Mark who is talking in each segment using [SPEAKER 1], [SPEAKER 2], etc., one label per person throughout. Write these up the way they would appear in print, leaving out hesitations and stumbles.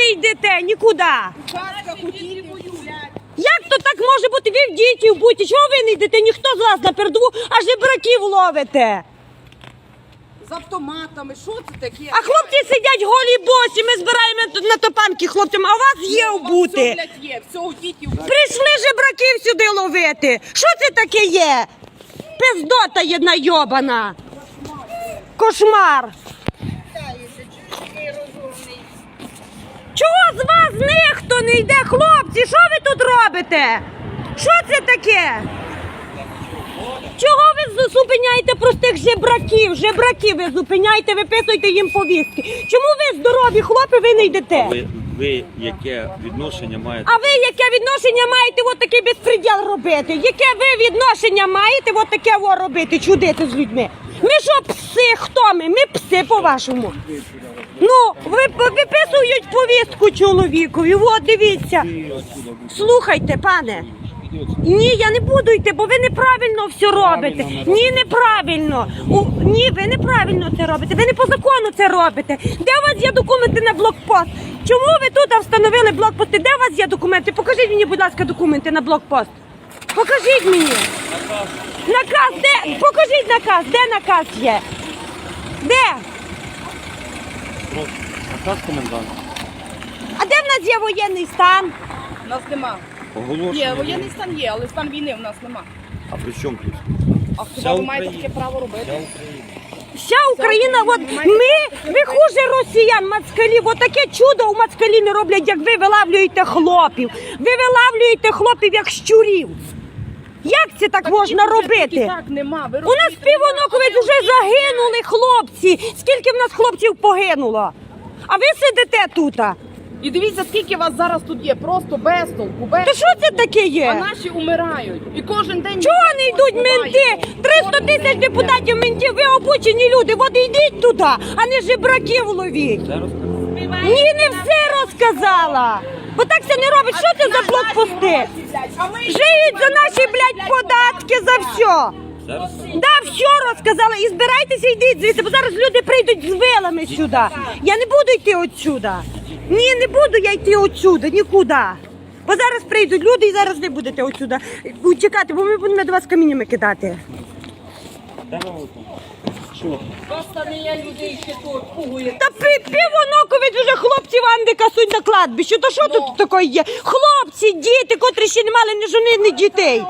[SPEAKER 1] не йдете нікуди? Як то так може бути? Ви в дітей будьте. Чого ви не йдете? Ніхто з вас на передову, а жебраків ловите.
[SPEAKER 2] З автоматами, що це таке?
[SPEAKER 1] А хлопці сидять голі босі, ми збираємо на топанки хлопцям, а у вас є обути.
[SPEAKER 2] Все, блядь, є, все у дітей.
[SPEAKER 1] Прийшли жебраків сюди ловити. Що це таке є? Пиздота єдна йобана. Кошмар. Чого з вас ніхто не йде, хлопці? Що ви тут робите? Що це таке? Чого ви зупиняєте простих жебраків? Жебраків ви зупиняєте, виписуєте їм повістки. Чому ви здорові хлопці, ви не йдете?
[SPEAKER 3] Ви яке відношення маєте?
[SPEAKER 1] А ви яке відношення маєте от такий безпреділ робити? Яке ви відношення маєте от таке робити, чудити з людьми? Ми що, пси? Хто ми? Ми пси, по-вашому. Ну, виписують повістку чоловікові, от дивіться. Слухайте, пане. Ні, я не буду йти, бо ви неправильно все робите. Ні, неправильно. Ні, ви неправильно це робите. Ви не по закону це робите. Де у вас є документи на блокпост? Чому ви тут встановили блокпости? Де у вас є документи? Покажіть мені, будь ласка, документи на блокпост. Покажіть мені. Наказ, де? Покажіть наказ. Де наказ є? Де?
[SPEAKER 3] Наказ коменданта.
[SPEAKER 1] А де в нас є воєнний стан?
[SPEAKER 2] У нас нема. Є, воєнний стан є, але стан війни в нас нема.
[SPEAKER 3] А при чому тут?
[SPEAKER 2] А хіба ви маєте таке право робити?
[SPEAKER 1] Вся Україна, от ми хуже росіян, мацкалів. От таке чудо у мацкалі не роблять, як ви вилавлюєте хлопів. Ви вилавлюєте хлопів, як щурів. Як це так можна робити?
[SPEAKER 2] Так, нема.
[SPEAKER 1] У нас півоноковець вже загинули хлопці. Скільки в нас хлопців погинуло? А ви сидите тут?
[SPEAKER 2] І дивіться, скільки вас зараз тут є, просто без толку, без...
[SPEAKER 1] Та що це таке
[SPEAKER 2] А
[SPEAKER 1] є?
[SPEAKER 2] наші умирають. І кожен день...
[SPEAKER 1] Чого не йдуть менти? 300 тисяч депутатів ментів, ви обучені люди. От йдіть туди, а не жебраків ловіть. Ні, не все розказала. Бо так це не робить. Що це за блокпости? Жиють за наші, блядь, податки, за все. Да, все розказала. І збирайтеся, йдіть звідси, бо зараз люди прийдуть з вилами сюди. Я не буду йти отсюда. Ні, не буду я йти отсюда, нікуди. Бо зараз прийдуть люди і зараз ви будете отсюда утікати, бо ми будемо до вас каміннями кидати. Та півоноковець вже хлопців Андика суть на кладбище. То що тут таке є? Хлопці, діти, котрі ще не мали ні жони, ні дітей.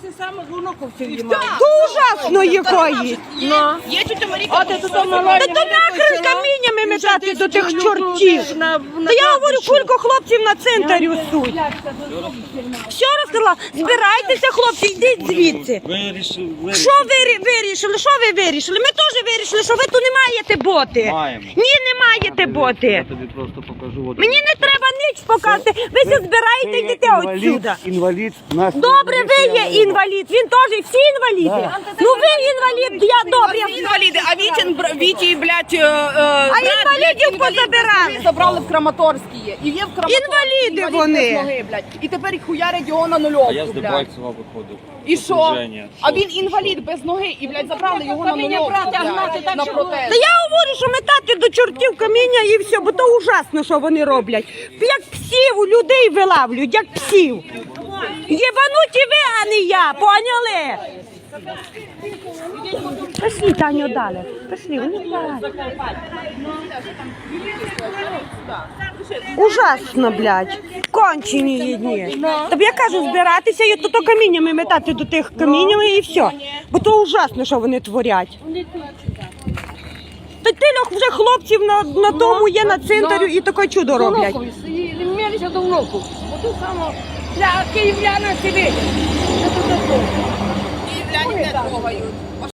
[SPEAKER 1] То ужасно якої.
[SPEAKER 2] Є тетя Маріка.
[SPEAKER 1] Та то нахрен каміннями метати до тих чортів. Та я говорю, кілька хлопців на центрі суть. Все розказала. Збирайтеся, хлопці, йдіть звідси. Що ви вирішили? Що ви вирішили? Ми теж вирішили, що ви тут не маєте боти.
[SPEAKER 3] Маємо.
[SPEAKER 1] Ні, не маєте боти.
[SPEAKER 3] Я тобі просто покажу.
[SPEAKER 1] Мені не треба ніч показати. Ви все збираєте, йдете отсюда.
[SPEAKER 4] Інвалід.
[SPEAKER 1] Добре, ви є інвалід. Він теж, всі інваліди. Ну ви інвалід, я добре.
[SPEAKER 2] Інваліди, а Віті, блядь,
[SPEAKER 1] А інвалідів позабирали.
[SPEAKER 2] Забрали в Краматорській є. І є в Краматорській.
[SPEAKER 1] Інваліди
[SPEAKER 2] інвалід
[SPEAKER 1] вони.
[SPEAKER 2] без ноги, блядь. І тепер їх хуярять його на нульовку,
[SPEAKER 3] А я з
[SPEAKER 2] блядь.
[SPEAKER 3] Дебальцева виходив.
[SPEAKER 2] І що?
[SPEAKER 3] Окруження.
[SPEAKER 2] А він інвалід без ноги і, блядь, забрали його на нульовку, блядь, на протест.
[SPEAKER 1] Та я говорю, що метати до чортів каміння і все, бо то ужасно, що вони роблять. Як псів у людей вилавлюють, як псів. Єбануті ви, а не я, поняли? Пішли, Таню, далі. Пішли, вони далі. Ужасно, блядь. Кончені їдні. Тобі я кажу, збиратися і то каміннями метати до тих каміннями і все. Бо то ужасно, що вони творять. Та тильох вже хлопців на тому є на центрі і таке чудо роблять.
[SPEAKER 5] Мілися до внуку. Бо тут само для київляна сидить.
[SPEAKER 2] Київляні не трогають.